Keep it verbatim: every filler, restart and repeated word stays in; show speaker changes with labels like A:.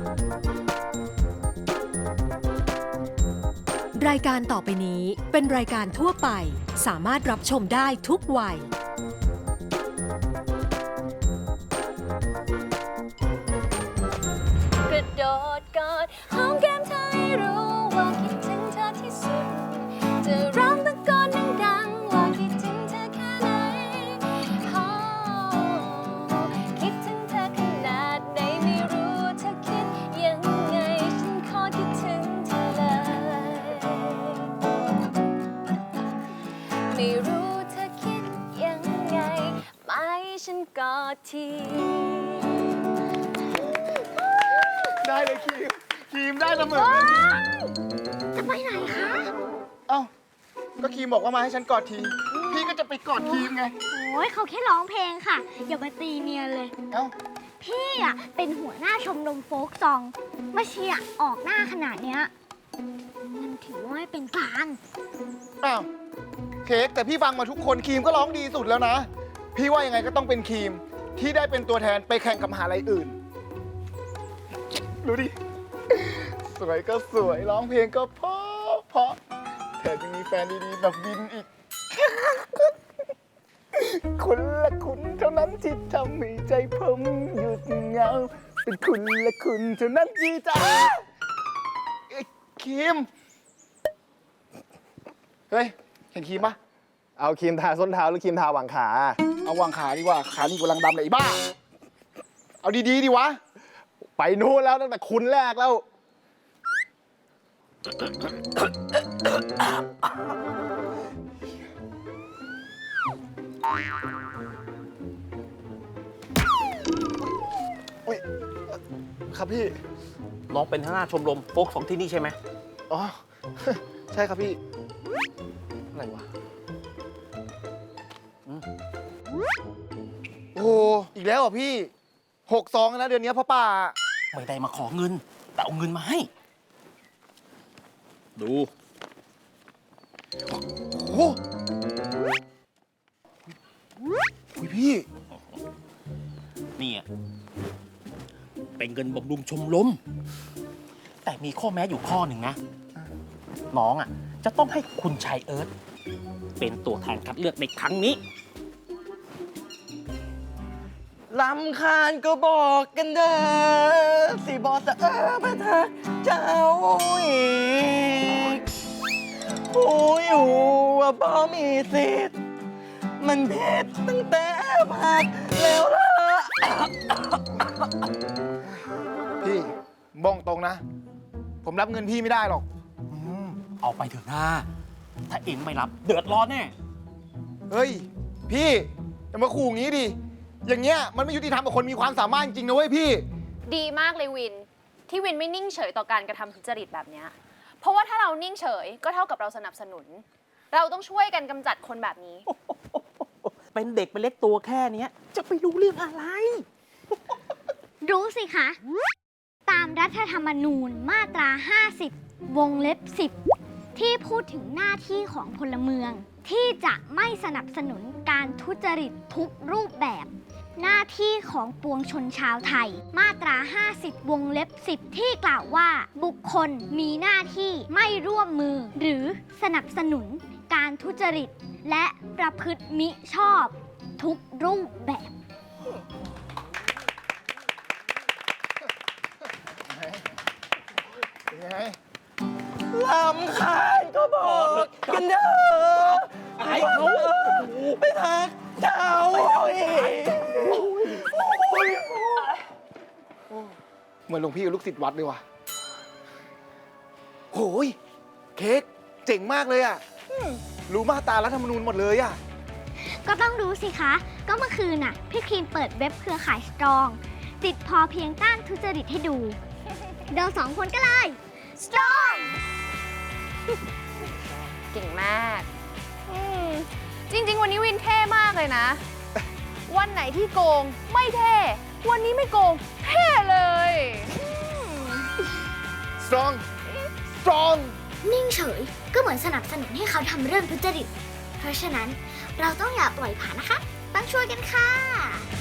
A: รายการต่อไปนี้เป็นรายการทั่วไปสามารถรับชมได้ทุกวัย
B: กระโดดกอดหอมแก้มเธอให้รู้ว่าคิดถึงเธอที่สุดจะร้องตะโกนดังๆว่าคิดถึงเธอแค่ไหนโอ้คิดถึงเธอขนาดไหนไม่รู้เธอคิดยังไงฉันขอคิดถึงเธอเลยไม่รู้เธอคิดยังไงไม่ฉันกอดที
C: ได้เลยครีมครีมได้เสมอ
D: จะไปไหนคะ
C: เอ้าก็ครีมบอกว่ามาให้ฉันกอดที พี่ก็จะไปกอดครีมไง
D: โอ้ยเขาแค่ร้องเพลงค่ะ อย่ามาตีเนียนเลย
C: เอ้า
D: พี่อ่ะเป็นหัวหน้าชมรมโฟกซองมาเชียร์ออกหน้าขนาดเนี้ยมันถือว่าไม่เป็นกลาง
C: อ้าวเค้กแต่พี่ฟังมาทุกคนครีมก็ร้องดีสุดแล้วนะ พี่ว่ายังไงก็ต้องเป็นครีมที่ได้เป็นตัวแทนไปแข่งกับมหาลัยอื่นดูดิ สวยก็สวยร้องเพลงก็เพราะเพราะแถมยังมีแฟนดีๆแบบวินอีก คุณละคุณเท่านั้นที่ทำให้ใจผมหยุดเหงาเป็นคุณละคุณเท่านั้นที่จะเอ้ยครีมเฮ้ยเห็นครีมปะ
E: เอาครีมทาส้นเท้าหรือครีมทาหว่างขา
C: เอาวางขาดีกว่าขานี่กำลังดำเลยไอ้บ้าเอาดีๆดีวะ
E: ไปนู่นแล้วตั้งแต่คุณแรกแล้ว
C: อุ้ยครับพี่
F: น้องเป็นหัวหน้าชมรมโฟกสองที่นี่ใช่ไหม
C: อ๋อ ใช่ครับพี่ อะไรวะอืมโอ้โหอีกแล้วเหรอพี่หกซองแล้วนะเดือนนี้พ่อป่า
F: ไม่ได้มาขอเงิน แต่เอาเงินมาให้ ดู
C: โอ้โหอุ๊ยพี่
F: นี่อ่ะเป็นเงินบำรุงชมรมแต่มีข้อแม้อยู่ข้อหนึ่งนะ น้องอ่ะ จะต้องให้คุณชายเอิร์ธเป็นตัวแทนคัดเลือกในครั้งนี้
G: ลำคาญก็บอกกันเด้อสิบอกจะเออมาทักเจ้าอีกหูอยู่ว่าบ่มีสิทธิ์มันผิดตั้งแต่พักแล้วล่ะ
C: พี่บ้องตรงนะ ผมรับเงินพี่ไม่ได้หรอก
F: อืมเอาไปเถอะนะถ้าเองไม่รับเดือดร้อนแน่
C: เฮ้ย พี่อย่ามาขู่อย่างนี้ดิ อย่างเงี้ยมันไม่ยุติธรรมกับคนมีความสามารถจริงนะเว้ยพี่
B: ดีมากเลยวิน ที่วินไม่นิ่งเฉยต่อการกระทำทุจริตแบบเนี้ยเพราะว่าถ้าเรานิ่งเฉยก็เท่ากับเราสนับสนุน เราต้องช่วยกันกำจัดคนแบบนี้
F: เป็นเด็กเป็นเล็กตัวแค่เนี้ยจะไปรู้เรื่องอะไร
D: รู้สิคะ ตามรัฐธรรมนูญมาตรา ห้าสิบ วงเล็บ สิบ ที่พูดถึงหน้าที่ของพลเมือง ที่จะไม่สนับสนุนการทุจริตทุกรูปแบบ หน้าที่ของปวงชนชาวไทย มาตรา ห้าสิบ วงเล็บ สิบ ที่กล่าวว่า บุคคลมีหน้าที่ไม่ร่วมมือ หรือสนับสนุนการทุจริต และประพฤติมิชอบ ทุกรูปแบบ
C: เป็นไง
G: ลำคาญก็บอกกันเด้อ
F: ไอ้เขา
G: ไปทักเจ้าอีก
C: เหมือนหลวงพี่กับลูกศิษย์วัดเลยว่ะโอ้ยเค้กเจ๋งมากเลยอ่ะ รู้มาตรารัฐธรรมนูญหมดเลยอ่ะ
D: ก็ต้องรู้สิคะ ก็เมื่อคืนน่ะ พี่ครีมเปิดเว็บเครือข่ายสตรอง ติดพอเพียงต้านทุจริตให้ดู เราสองคนก็เลย สตรอง
B: เก่งมากอืมจริง ๆ วันนี้วินเท่มากเลยนะ วันไหนที่โกงไม่เท่ วันนี้ไม่โกงเท่เลย
C: strong strong
D: นิ่งเฉยก็เหมือนสนับสนุนให้เขาทำเรื่องทุจริต เพราะฉะนั้นเราต้องอย่าปล่อยผ่านนะคะ ต้องช่วยกันค่ะ